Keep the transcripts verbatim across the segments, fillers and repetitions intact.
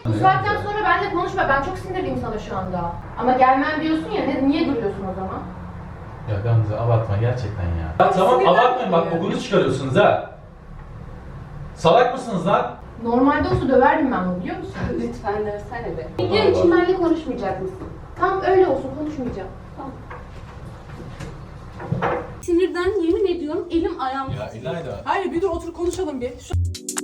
Bu saatten sonra benimle konuşma. Ben çok sinirliyim sana şu anda. Ama gelmem diyorsun ya. Ne, niye duruyorsun o zaman? Ya Gamze abartma gerçekten ya. Ya tamam abartmayın bak kokunuzu çıkarıyorsunuz ha. Salak mısınız lan? Normalde olsa döverdim ben bunu biliyor musun? Lütfen dövsene be. Video için benimle konuşmayacak mısın? Tamam öyle olsun konuşmayacağım. Tamam. Sinirden yemin ediyorum elim ayağım Ya İlayda. Hayır bir dur otur konuşalım bir. Şu...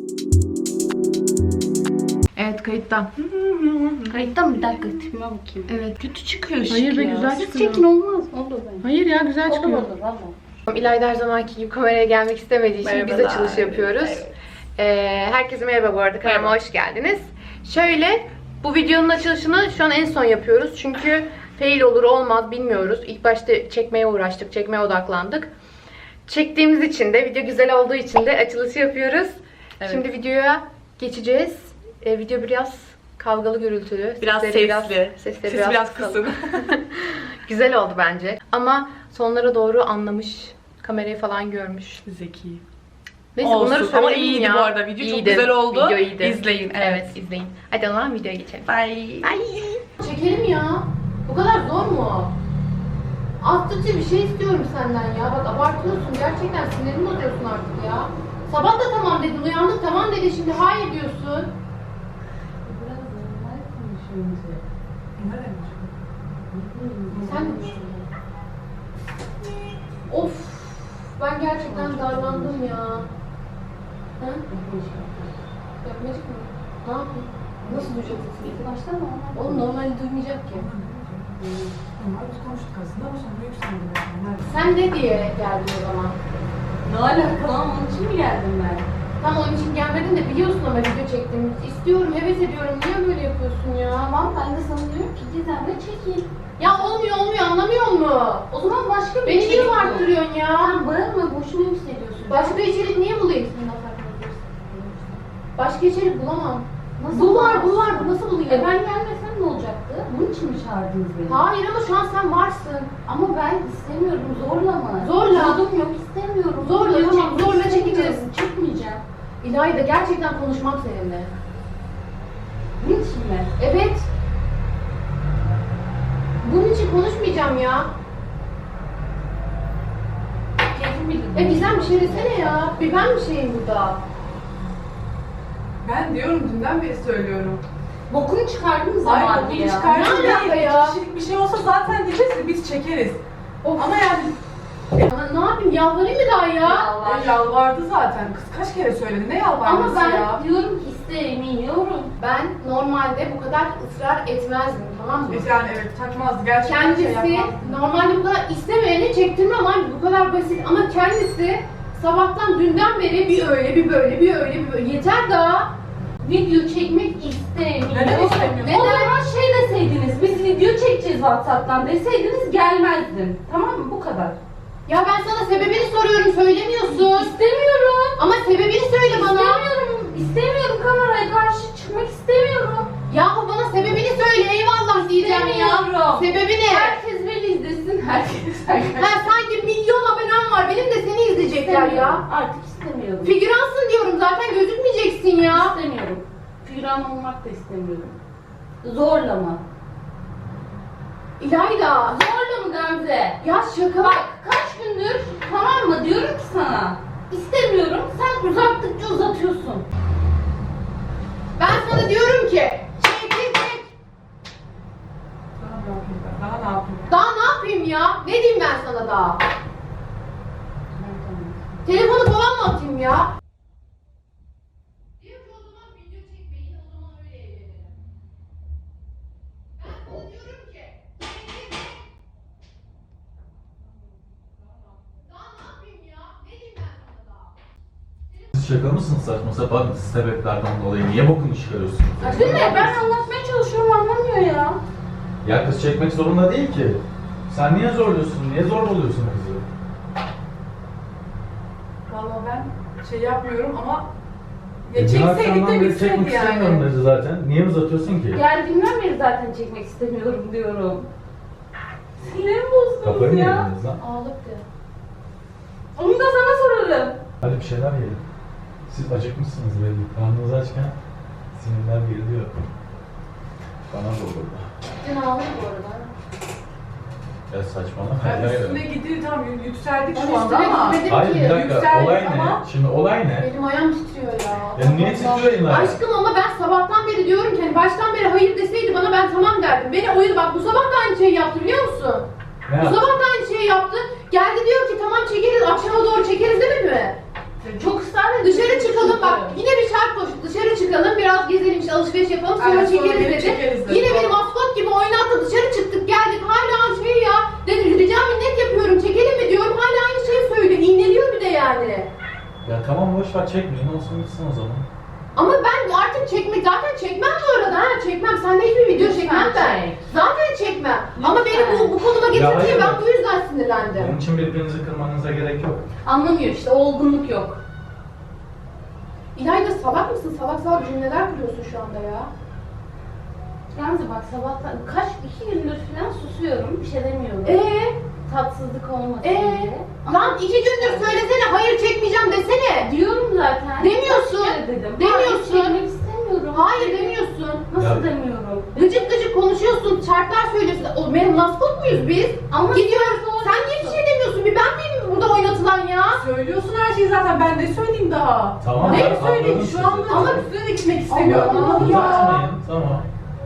Evet kayıtta. Kayıtta mı? Bir dakika tipime bakayım. Evet. Kötü çıkıyor ışık Hayır be, ya. güzel Siz çıkıyor. çekin olmaz. Olur bence. Hayır ya güzel çıkıyor. Olur olur valla. İlayda her zamanki gibi kameraya gelmek istemediği için biz Merhabalar. açılış yapıyoruz. Evet. Ee, herkese merhaba bu arada, kanalıma hoş geldiniz. Şöyle, bu videonun açılışını şu an en son yapıyoruz. Çünkü fail olur olmaz bilmiyoruz. İlk başta çekmeye uğraştık, çekmeye odaklandık. Çektiğimiz için de, video güzel olduğu için de açılışı yapıyoruz. Evet. Şimdi videoya geçeceğiz. Ee, video biraz kavgalı, gürültülü. Biraz Sesleri sesli. Biraz, sesleri Sesi biraz kısalım. kısın. Güzel oldu bence. Ama sonlara doğru anlamış, kamerayı falan görmüş. Zeki. Neyse Olsun. bunları Ama söylemeyeyim iyiydi ya. bu arada. Video çok İyiydi. güzel oldu. Video iyiydi. İzleyin, Evet. evet. izleyin. Hadi o zaman videoya geçelim. Bye. Bye. Çekelim ya. Bu kadar zor mu? Astıkça bir şey istiyorum senden ya. Bak abartıyorsun. Gerçekten sinirimi bozuyorsun artık ya. Sabah da tamam dedin, uyandık tamam dedin, şimdi hayır diyorsun. Biraz normal konuşuyoruz ya. Sen de düşün. Of. Ben gerçekten darlandım ya. Ha? Yapmayacak mı? Ne yapayım? Nasıl duyacaksın? İlk başta mı? Oğlum normalde duymayacak ki. Normal biz konuştuk aslında ama sonra yükseldi. Sen ne diye geldin o zaman? Ne alaka lan? Onun için mi geldim ben? Tam onun için gelmedin de biliyorsun ama video çektiğimi. İstiyorum, heves ediyorum. Niye böyle yapıyorsun ya? Tamam ben de sana diyorum ki Gizem'le çekil. Ya olmuyor olmuyor, anlamıyor mu? O zaman başka bir Beni niye içerik bul. varttırıyorsun ya? Sen bağırma boşuna yükseliyorsun. Başka içerik niye bulayım? Başka içerik bulamam. Nasıl Bu var, bulamazsın? bu var. Bu nasıl bulayım? E ben gelmesem ne olacaktı? Bunun için mi çağırdınız beni? Hayır ama şu an sen varsın. Ama ben istemiyorum, zorlama. Zorla. Zorlum yok, istemiyorum. Zorla, Video tamam, çekmek zorla istemiyorum. çekeceğiz. Çekmeyeceğim. İlayda gerçekten konuşmam seninle. Bunun için mi? Evet. Bunun için konuşmayacağım ya. Keyfim bildim. E Gizem bir şey desene ya. Bir ben bir şeyim burada. Ben diyorum dünden beri söylüyorum. Bokunu çıkardınız ama Hayır abi bugün ya. çıkardım Ne alaka değil. ya? İki kişilik bir şey olsa zaten diyeceğiz ki biz çekeriz. Of. Ama yani Ama ne yapayım, yalvarayım mı daha ya? Yalvar. o yalvardı zaten. Kız kaç kere söyledi. Ne Ama yalvarması ben ya? Diyorum ki istemiyorum. Ben normalde bu kadar ısrar etmezdim, tamam mı? Biz yani evet takmazdı. Gerçekten şey Kendisi yapmazdı. normalde bu kadar istemeyeni çektirmem lan, bu kadar basit, ama kendisi sabahtan dünden beri bir öyle bir böyle bir öyle bir böyle, yeter daha. Video çekmek istemiyorum. Neden istemiyorsun? O zaman şey deseydiniz, biz video çekeceğiz WhatsApp'tan deseydiniz gelmezdim. Tamam mı? Bu kadar. Ya ben sana sebebini soruyorum, söylemiyorsun. İstemiyorum. Ama sebebini söyle bana. İstemiyorum. İstemiyorum, kameraya karşı çıkmak istemiyorum. Yahu bana sebebini söyle, eyvallah diyeceğim ya. İstemiyorum. Sebebi ne? Herkes beni izlesin. Herkes. Ha, sanki milyon abonem var, benim de seni izleyecekler ya. Artık istemiyorum. Figüransın diyorum zaten, gözükmeyeceksin ya. İstemiyorum. Figüran olmak da istemiyorum. Zorlama. İlayda. Zorla mı Gamze? Ya şaka. Bak kaç gündür tamam mı diyorum ki sana. İstemiyorum. Sen uzattıkça uzatıyorsun. Ben sana diyorum ki çek çek çek. Daha ne yapayım ben? Daha ne yapayım? Daha ne yapayım ya? Ne diyeyim ben sana daha? Telefonu falan mı atayım ya? Diyor ki o zaman video çekmeyin, o zaman öyle evlenelim. Ben sana diyorum ki çek çek çek. Daha ne yapayım ya? Ne diyeyim ben sana daha? Siz şaka mısınız saçma sapan sebeplerden dolayı? Niye bokunu çıkarıyorsunuz? Değil mi? Ben anlatmaya çalışıyorum anlamıyor ya. Ya kız çekmek zorunda değil ki. Sen niye zorluyorsun? Niye zorbalıyorsun kızı? Valla ben şey yapmıyorum ama ya E, dün çekseydik akşamdan de beri bitseydi çekmek istemiyorum yani. dedi zaten. Niye uzatıyorsun ki? Geldiğimden beri zaten çekmek istemiyorum diyorum. Sinirim Kafayı bozdunuz mı ya. yediniz lan? Ağlıktı. Onu da sana sorarım. Hadi bir şeyler yiyelim. Siz acıkmışsınız belli. Karnınız açken sinirler geriliyor. Bana da olur. Gittin ağlıyor bu arada. Ya saçmalama. Yani Hayır, üstüne hayır. gitti tam yük- yükseldik Ben şu anda üstüne ama. gitmedim Hayır ki. bir dakika. Yükseldik Olay ne? ama- Şimdi olay ne? Benim ayağım titriyor ya. Ya niye titriyor elin ayağın? Aşkım ama ben sabahtan beri diyorum ki hani baştan beri hayır deseydi bana ben tamam derdim. Beni oyunu bak bu sabah da aynı şeyi yaptı biliyor musun? Ne Bu yaptın? sabah da aynı şeyi yaptı. Geldi diyor ki tamam çekeriz akşama doğru çekeriz demedi mi? Çok ısrar ediyorsun. Dışarı çıkalım bak yine bir şart koştu. Dışarı çıkalım biraz gezelim işte alışveriş yapalım sonra Aynen, sonra çekeriz gelip dedi. çekeriz dedi. Yine beni maskot gibi oynattı dışarı çıktık geldik hala şey ya. Dedi rica minnet yapıyorum çekelim mi diyorum hala aynı şeyi söylüyor. İğneliyor bir de yani. Ya tamam boş ver çekmeyin olsun gitsin o zaman. Ama ben artık çekmek zaten çekmem bu arada ha çekmem sende hiçbir video Lütfen çekmem ben. çek. Zaten çekmem. Ama Lütfen. beni bu, bu konuma Ya getirdiği hayır ben bak. bu yüzden sinirlendim. Onun için birbirinizi kırmanıza gerek yok. Anlamıyor işte, olgunluk yok. İlayda salak mısın? Salak salak cümleler kuruyorsun şu anda ya. Yalnız bak sabahtan kaç iki gündür falan susuyorum, bir şey demiyorum. Eee? Tatsızlık olmasın Ee? diye. Lan iki gündür söylesene hayır çekmeyeceğim desene. Diyorum zaten. Demiyorsun. Kaç kere dedim. Demiyorsun. Hayır, çekmek istemiyorum. Hayır demiyorsun. Nasıl Ya- demiyorum? Gıcık gıcık konuşuyorsun, şartlar söylüyorsun. O benim maskot muyuz biz? Ama Gidiyoruz. Sen niye bir şey demiyorsun? Bir ben miyim burada oynatılan ya? Söylüyorsun her şeyi zaten ben ne söyleyeyim daha. Tamam, Ne ben söyleyeyim anladım şu anda sizi. ama üstüne de gitmek istemiyorum. Allah Anladın Allah. mı? Uzatmayın tamam.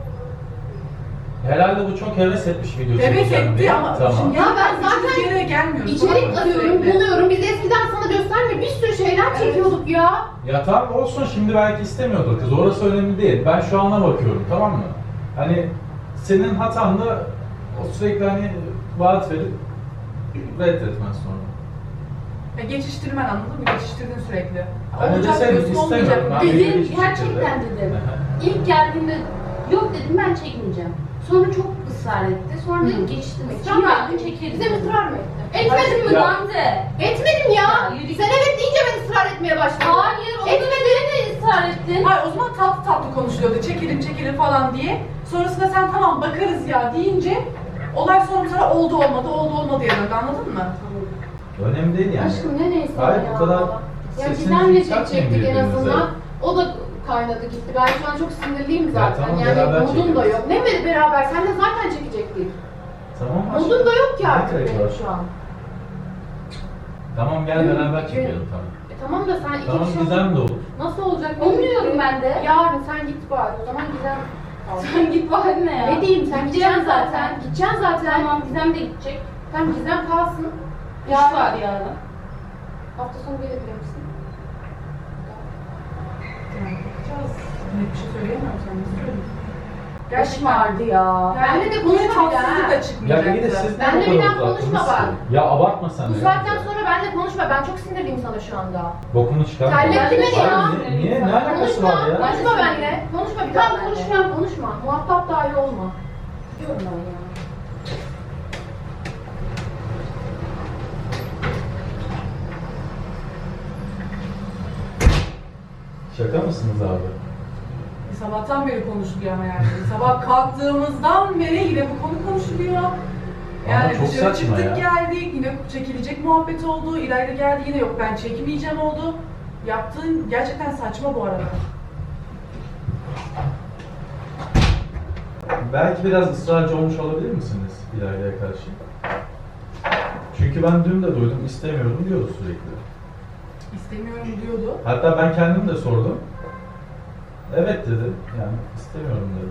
Herhalde bu çok heves etmiş video Demek çekeceğim etti diye. ama Tamam. şimdi Ya ben üçüncü zaten yere gelmiyoruz. İçerik Tamam mı? arıyorum, Sürekli. buluyorum. Biz eskiden sana göstermiyor. Bir sürü şeyler çekiyorduk ya. Ya tamam olsun şimdi belki istemiyordur kız orası önemli değil. Ben şu ana bakıyorum tamam mı? Hani senin hatan da o sürekli hani vaat verip reddetmen sonra. Ya geçiştirmen anladın mı? Geçiştirdin sürekli. Ben Olacak deseydim diyorsun, istemiyorum. olmayacak Ben diyorsun. belli Dedim, bir şekilde- gerçekten dedim. Aha. İlk geldiğinde yok dedim, ben çekmeyeceğim. Sonra çok ısrar etti. Sonra Hı. dedim geçtim. Israr Kim mı yaptın ettin? çekeriz. Bize mi ısrar mı ettin? Etmedim mi Ya- lan? Gamze. Etmedim ya. Ya yürü Sen git. evet deyince ben ısrar etmeye başladım. Hayır, onu Etmedin. de ısrar ettin. Hayır o zaman tatlı tatlı konuşuluyordu. Çekelim çekelim falan diye. Sonrasında sen tamam bakarız ya deyince olay sonra sonra oldu olmadı oldu olmadı ya döndü anladın mı? Önemli değil yani. Aşkım ne neyse Hayır, ya. bu kadar Ya sesinizi Gizem'le yükseltmeyin çekecektik en birbirinize. azından. O da kaynadı gitti. Ben şu an çok sinirliyim zaten. tamam, yani beraber modum da çekeriz. yok. Ne mi beraber? Sen de zaten çekecektik. Tamam aşkım. Modum da yok ki artık Ne gerek benim var? şu an. Tamam gel Gün- beraber gün- çekelim tamam. E tamam da sen iki Tamam kişi Gizem de olur. nasıl olacak? Onu diyorum ben de. Yarın sen git bari. O zaman Gizem kalsın. Sen git bari ne ya? Ne diyeyim sen Gideceğim gideceksin zaten. Gideceksin zaten. Tamam, Gizem de gidecek. Tamam Gizem kalsın. İş var yarın. Hafta sonu gelebilir misin? Yani bakacağız. Net bir şey söyleyemem sen ne söyleyeyim. İş vardı ya. Benle de konuşma bir daha. Tatsızlık da Ya çıkmayacak. bir de siz Ben de ne bir kadar daha konuşma uzattınız bak. ki? Ya abartma sen Bu de. saatten ya. sonra benimle konuşma. Ben çok sinirliyim sana şu anda. Bokunu çıkarma. Terlettin beni ya. Abi, Niye? Ne alakası Konuşma, var ya? konuşma benimle. Konuşma bir daha konuşmayan konuşma. Muhatap dahi olma. Diyorum ben ya. Şaka mısınız abi? Sabahtan beri konuşuluyor ama yani. Sabah kalktığımızdan beri yine bu konu konuşuluyor. Yani çok dışarı saçma çıktık ya. geldik, yine çekilecek muhabbet oldu. İlayda geldi yine yok ben çekmeyeceğim oldu. Yaptığın gerçekten saçma bu arada. Belki biraz ısrarcı olmuş olabilir misiniz İlayda'ya karşı? Çünkü ben dün de duydum istemiyorum diyordu sürekli. İstemiyorum diyordu. Hatta ben kendim de sordum. Evet dedi. Yani istemiyorum dedi.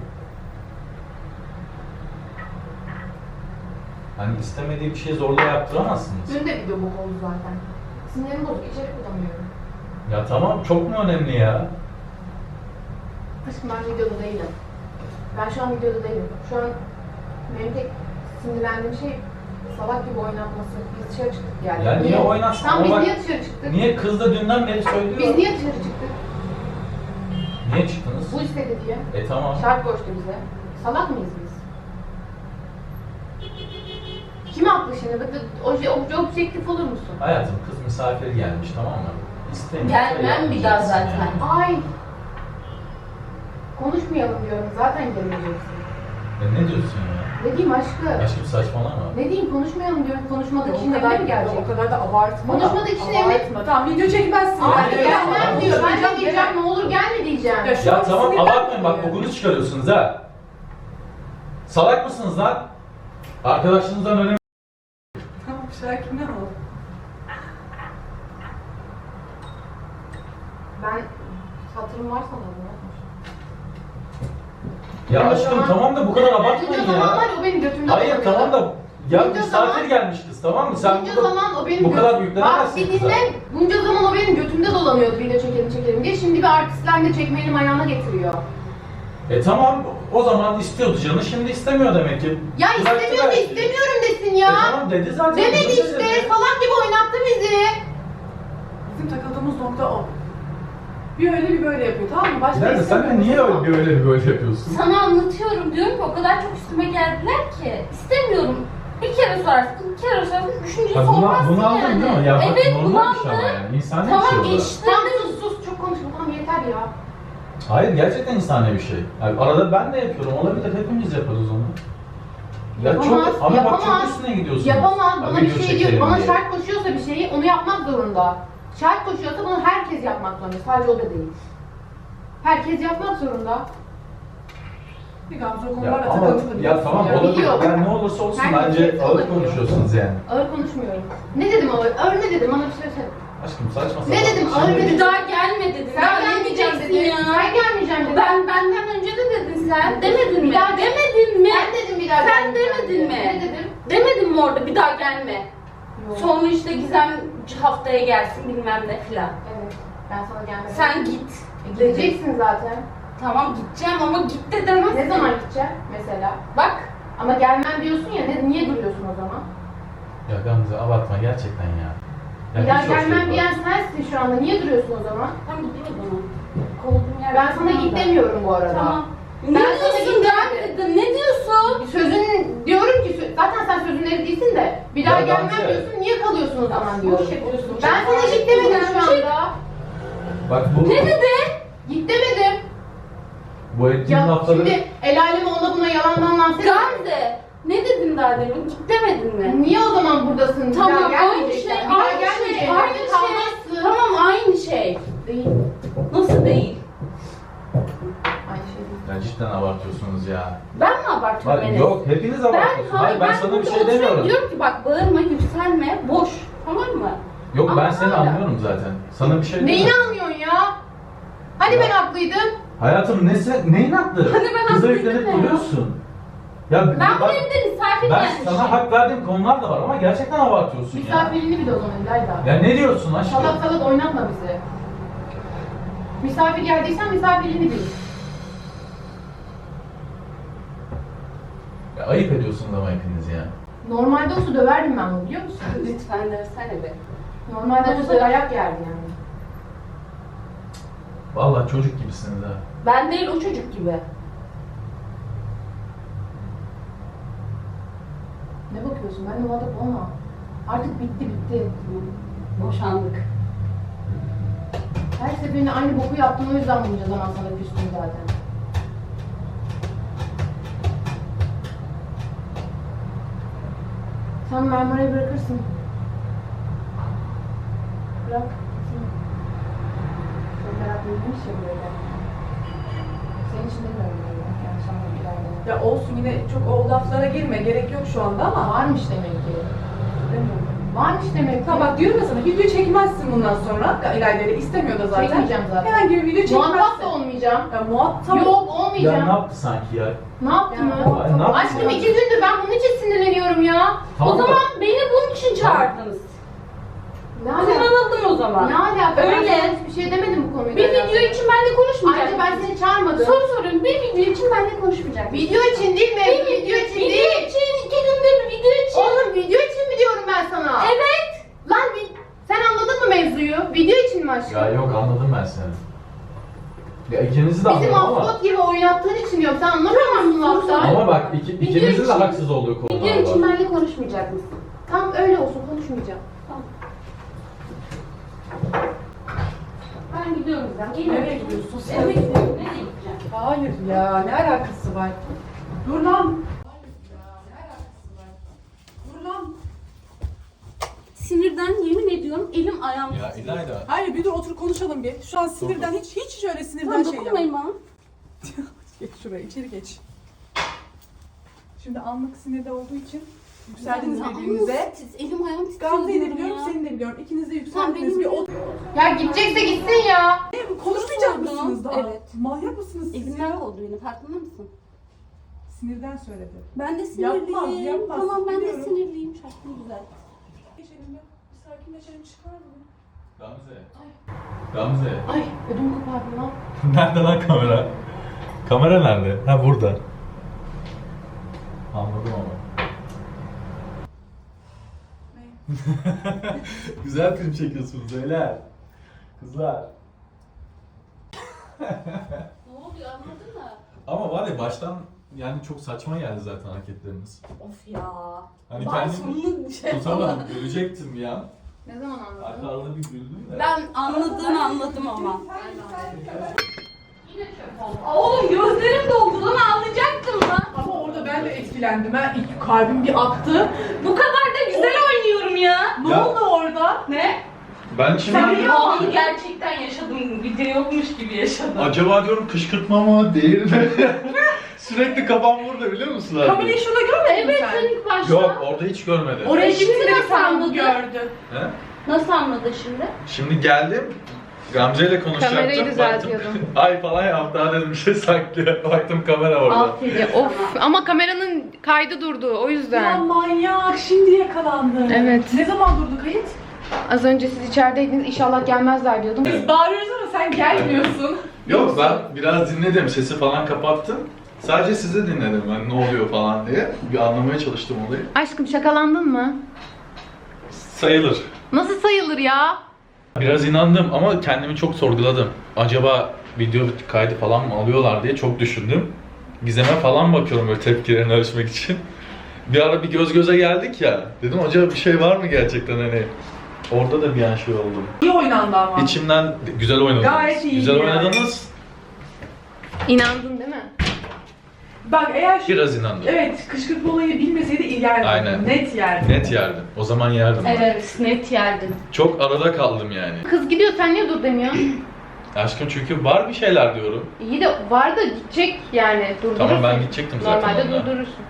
Hani istemediği bir şeyi zorla yaptıramazsınız. Dün de video bok oldu zaten. Sinirim bozuk. İçerik bulamıyorum. Ya tamam çok mu önemli ya? Aşkım ben videoda değilim. Ben şu an videoda değilim. Şu an benim tek sinirlendiğim şey salak gibi oynatması. Biz dışarı çıktık yani. Ya niye oynatsın? Tamam Ama biz bak- niye dışarı çıktık? Niye kız da dünden beri söylüyor? Biz niye dışarı çıktık? Niye çıktınız? Bu istedi diye. E tamam. Şart koştu bize. Salak mıyız biz? Kim haklı şimdi? Bak, Obje, obje, objektif olur musun? Hayatım kız misafir gelmiş tamam mı? İstemiyorsa Gelmem bir daha yapmayacaksın zaten. yani. Ay. Konuşmayalım diyorum. Zaten gelmeyeceksin. Ya ne diyorsun ya? Ne diyeyim aşkım? Aşkım saçmalama. Ne diyeyim konuşmayalım diyorum. Konuşmadık O kişinin kadar, evine mi gelecek? o kadar da abartma. Konuşmadık da, işte, evet. abartma. Tamam video çekmezsin. Hayır Hayır, gelmem hayır. diyor. Ben de Diyeceğim, diyeceğim gene- ne olur gelme diyeceğim. Ya şu Ya an tamam sinirlendim abartmayın bak ya. kokunu çıkarıyorsunuz ha. Salak mısınız lan? Arkadaşınızdan önemli. Tamam Şakir ne oldu? Ben hatırım varsa da bunu. Ya Bunca aşkım zaman- tamam da bu kadar abartmayın Bunca zaman ya. var o benim götümde Hayır dolanıyor. tamam da ya Bunca misafir zaman- gelmiş kız tamam mı? Sen Bunca bu, zaman o benim bu kadar götüm- yüklenemezsin Bak bir kıza. dinle. Bunca zaman o benim götümde dolanıyordu video çekelim çekelim diye. Şimdi bir artistler de çekmeyelim ayağına getiriyor. E tamam o zaman istiyordu canı şimdi istemiyor demek ki. Ya Bıraktı istemiyorum belki. istemiyorum desin E ya. tamam dedi zaten. Demedi Bunu işte. dedi. Salak gibi oynattı bizi. Bizim takıldığımız nokta o. Bir öyle bir böyle yapıyor tamam mı? Başka İlayda sen de niye öyle bir öyle bir böyle yapıyorsun? Sana anlatıyorum diyorum ki o kadar çok üstüme geldiler ki. İstemiyorum. Bir kere sorarsın, iki kere sorarsın, üçüncüyü Ha, bunu, sormazsın bunu aldın yani. değil mi? Ya bak Evet normalmiş bunu ama aldım. yani. İnsani Tamam, bir şey o da. işte. Tamam sus sus çok konuşma tamam yeter ya. Hayır gerçekten insani bir şey. Yani arada ben de yapıyorum. Olabilir hepimiz yaparız onu. Ya Yapamaz, çok ama bak çok yapamaz. üstüne gidiyorsun. Yapamaz. Bana bir video şey çekelim diyor. Bana diye. şart koşuyorsa bir şeyi onu yapmak zorunda. Şart koşuyorsa bunu herkes yapmak zorunda. Sadece o da değil. Herkes yapmak zorunda. Bir Gamze o Ya konularla ama takıntılı ya biliyorsun tamam ya. olabilir. Biliyorum. Yani ne olursa olsun Herkes bence hepsi ağır olabiliyor. konuşuyorsunuz yani. Ağır konuşmuyorum. Ne dedim ağır? Ağır ne dedim? Bana bir şey söyle. Aşkım saçma sapan. Ne dedim? Şimdi- Ağır dedim. Bir daha gelme dedin. Sen Daha ne gelmeyeceksin diyeceksin dedin. ya? Sen gelmeyeceğim dedin. Ben benden önce de dedin sen. Demedin Bir mi? daha- Demedin mi? Sen dedin bir daha Sen gelmeyeceğim demedin diye. mi? Ne dedim? Demedin mi orada bir daha gelme? Yok. Sonra işte Gizem haftaya gelsin bilmem ne filan. Evet. Ben sana gelmedim. Sen git. E, gideceksin zaten. Tamam gideceğim ama git de demezsin. Ne zaman gideceksin mesela? Bak. Ama gelmem diyorsun ya. Ne, niye duruyorsun o zaman? Ya Gamze abartma gerçekten ya. Ya Bir daha hiç hoş gelmem değil diyen sensin şu anda. Niye duruyorsun o zaman? Tamam gidiyor o zaman. Kovduğum yer. Ben sana git demiyorum bu arada. Tamam. Ben Ne sana diyorsun git ben demedim. dedim. Ne diyorsun? Sözün diyorum ki sö- zaten sen sözün eri değilsin de bir daha Ya gelmem Gamze. diyorsun niye kalıyorsun o zaman diyorum. Boş yapıyorsun. Ben sana git demedim şu anda. bak. Bak bu, Ne dedi? Git demedim. bu ettiğin Ya lafları... şimdi el aleme ona buna yalandan lanse Gamze. Ne dedin daha demin? Git demedin mi? Niye o zaman buradasın? Bir Tamam daha aynı gelmeyeceksin. şey, Bir daha aynı şey, gelmeyeceksin. aynı şey. Kalmazsın. Tamam aynı şey. Değil. Nasıl değil? Aynı şey değil. Ya cidden abartıyorsunuz ya. Ben mi abartıyorum Bak, Enes? yok hepiniz Ben, abartıyorsunuz. hayır, Hayır ben sana bir burada şey oturuyorum, demiyorum. diyorum ki bak bağırma, yükselme, boş. Tamam mı? Yok ben Ama seni hala. anlıyorum zaten. Sana bir şey Neyini demiyorum. anlıyorsun ya? Hani ben haklıydım? Hayatım ne sen, neyin haklı? Hani ben Kıza haklıydım yüklenip ya. duruyorsun. Ya Ben bu bak, evde misafir ben gelmişim. sana hak verdiğim konular da var ama gerçekten abartıyorsun ya. Misafirini bir de o zaman İlayda. Ya ne diyorsun aşkım? Salak salak oynatma bizi. Misafir geldiysen misafirini bil. Ya ayıp ediyorsunuz ama hepiniz ya. Normalde olsa döverdim ben bunu biliyor musun? Lütfen dersene be. Normalde olsa dayak yerdi yani. Vallahi çocuk gibisiniz ha. Ben değil o çocuk gibi. Ne bakıyorsun? Ben muhatap olma. Artık bitti bitti. Boşandık. Her seferinde aynı boku yaptın o yüzden bunca zaman sana küstüm zaten. Sen Marmara'yı bırakırsın. Bırak. gitsin. Çok meraklıymış ya böyle. Senin için demiyorum böyle. Yanlış anladım ileride. Ya olsun yine çok o laflara girme gerek yok şu anda ama. Varmış demek ki. Demiyorum. Varmış demek ki. Tamam bak diyorum ya sana video çekmezsin bundan sonra. Ya İlayda ile istemiyor da zaten. Çekmeyeceğim zaten. Herhangi bir video çekmezsin. Muhatap da olmayacağım. Ya muhatap. Yok Ya olmayacağım. ne yaptı sanki ya? Ne yaptı mı? Ay, ne yaptı Aşkım ya? iki gündür ben bunun için sinirleniyorum ya. Tamam o da- zaman beni bunun için çağırdınız. Ne alaka? Kullanıldım o zaman. Ne alaka? Öyle. Ben sana hiçbir şey demedim bu konuyla. Bir alakalı. video için benimle konuşmayacak Ayrıca ben mısın? seni çağırmadım. Soru soruyorum. Bir video için benimle konuşmayacak mısın? Video için değil mi? Bir Video için video değil. için, iki günde bir video için. Oğlum video için mi diyorum ben sana? Evet. Lan vi- sen anladın mı mevzuyu? Video için mi aşkım? Ya yok anladım ben seni. Ya ikinizi de Bizim anladım ama. maskot gibi oynattığın için diyorum. Sen anlamıyor musun laftan? Ama bak iki, Video ikinizin de için- haksız olduğu konular Video için var. benimle konuşmayacak mısın? Tamam öyle olsun konuşmayacağım. Tamam. Ben gidiyorum ben. Geliyorum. Nereye gidiyorsun sen? Eve gidiyorum. Nereye gideceğim? Hayır ya ne alakası var? Dur lan. Hayır ya ne alakası var? Dur lan. Sinirden yemin ediyorum elim ayağım. Ya İlayda. Hayır bir dur otur konuşalım bir. Şu an sinirden hiç hiç şöyle sinirden Tamam şey yapma. dokunmayın bana. Geç şuraya içeri geç. Şimdi anlık sinirde olduğu için yükseldiniz Ya, birbirinize. tiz- Elim ayağım titriyor. Gamze'yi de diyorum biliyorum, ya. seni de biliyorum. İkiniz de Sen yükseldiniz. benim Bir o... Ya gidecekse gitsin ya. Konuşmayacak Sordum. mısınız daha? Evet. Manyak mısınız siz Elimden ya? oldu benim, farkında mısın? Sinirden söyledi. Ben de sinirliyim. Yapmaz, yapmaz. Tamam ben de Biliyorum. sinirliyim. Şarkım güzel. Geçelim ya. Bir sakinleşelim, çıkar mı? Gamze. Gamze. Ay ödüm kopardı lan. Nerede lan kamera? Kamera nerede? Ha burada. Anladım ama. Ne? Güzel film çekiyorsunuz öyle. Kızlar. Ne oluyor anladın mı? Ama var ya baştan yani çok saçma geldi zaten hareketleriniz. Of ya. Hani Ben kendimi sonunu şey tutamam, ölecektim ya. Ne zaman Hatta anladın? arada bir güldüm de. Ben anladığını anladım ama. Yine çöp oldu. Oğlum gözlerim doldu lan, ağlayacaktım lan. Ama orada ben de etkilendim. Ben ilk kalbim bir attı. Bu kadar da güzel oynuyorum ya. Ne Ya- oldu orada? Ne? Ben şimdi Ben o anı gerçekten yaşadım. Video yokmuş gibi yaşadım. acaba diyorum kışkırtma mı değil mi? Sürekli kafam burada biliyor musun abi? Kamile'yi şurada görmedin mi Evet sen? sen ilk başta. Yok orada hiç görmedim. Oraya Şimdi gitti de bir nasıl tane anladın? gördü. He? Nasıl anladın şimdi? Şimdi geldim. Gamze ile konuşacaktım. Kamerayı düzeltiyordum. Baktım, ay falan yaptı. Daha dedim bir şey saklıyor. Baktım kamera orada. Aferin Ya sana. of ama kameranın kaydı durdu o Ya yüzden. manyak, şimdi yakalandı. Evet. Ne zaman durdu kayıt? Az önce siz içerideydiniz inşallah gelmezler diyordum. Biz bağırıyoruz ama sen gelmiyorsun. Yok ben biraz dinledim. Sesi falan kapattım. Sadece sizi dinledim ben ne oluyor falan diye. Bir anlamaya çalıştım olayı. Aşkım şakalandın mı? Sayılır. Nasıl sayılır ya? Biraz inandım ama kendimi çok sorguladım. Acaba video kaydı falan mı alıyorlar diye çok düşündüm. Gizem'e falan bakıyorum böyle tepkilerini ölçmek için. Bir ara bir göz göze geldik ya. Dedim acaba bir şey var mı gerçekten hani. Orada da bir an şey oldu. İyi oynandı ama. İçimden güzel oynadınız. Gayet iyi Güzel yani. oynadınız. İnandın değil mi? Bak eğer şu... Biraz inandım. Evet, kışkırtma olayı bilmeseydi yerdim. Aynen. Net yerdim. Net yerdim. O zaman yerdim. Evet net yerdin. Çok arada kaldım yani. Kız gidiyor sen niye dur demiyorsun? Aşkım çünkü var bir şeyler diyorum. İyi de var da gidecek yani durdurursun. Tamam ben gidecektim zaten. Normalde onunla. durdurursun.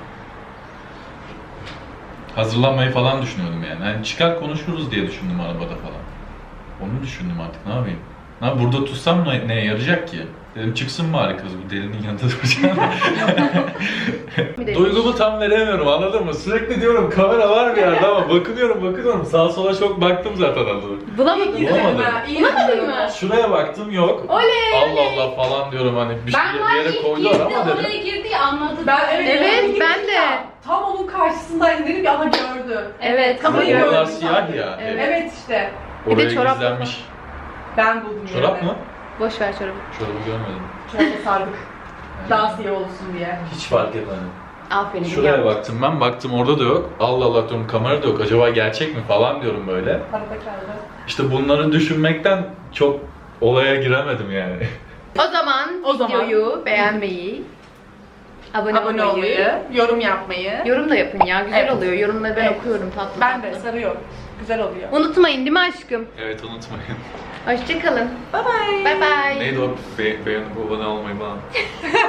Hazırlanmayı falan düşünüyordum yani. Hani çıkar konuşuruz diye düşündüm arabada falan. Onu düşündüm artık ne yapayım. Ha burada tutsam ne, neye yarayacak ki? Dedim çıksın bari kız bu delinin yanında duracağım. Bir de- Duygumu tam veremiyorum anladın mı? Sürekli diyorum kamera var bir yerde ama bakınıyorum bakınıyorum. Sağa sola çok baktım zaten adamı. Bulamadın İyi mı? Bulamadım. gidelim ha, iyi Bulamadın gidelim. mı? Şuraya baktım yok. Oley! Allah Allah falan diyorum hani bir, şey, Ben bir var yere ilk koydular girdi, ama dedim. oraya girdi ya anladım. Ben evet, Evet, evet, ben de. ya, tam onun karşısındaydım dedim ki aha gördü. Evet. Ama Kamerayı oralar gördüm. siyah ya. Evet. Evet işte. Bir de Oraya çorap gizlenmiş. Ben buldum Çorap yerini. mı? Boş ver çorabı. Çorabı görmedim. Çorabı sardık. Daha siyah olsun diye. Hiç fark etmedim. Aferin. Şuraya ya. baktım ben, baktım orada da yok. Allah Allah diyorum kamera da yok. Acaba gerçek mi falan diyorum böyle. Arada kaldı. İşte bunları düşünmekten çok olaya giremedim yani. O zaman O zaman- videoyu beğenmeyi, abone, Abone olmayı, olmayı, yorum yapmayı. yorum da yapın ya. Güzel Evet. oluyor. Yorumları ben Evet. okuyorum tatlı Ben de tatlı. sarıyor. Güzel oluyor. Unutmayın değil mi aşkım? Evet unutmayın. Hoşçakalın. Bye bye. Bye bye. Neydi o? Be beğenip abone olmayı falan.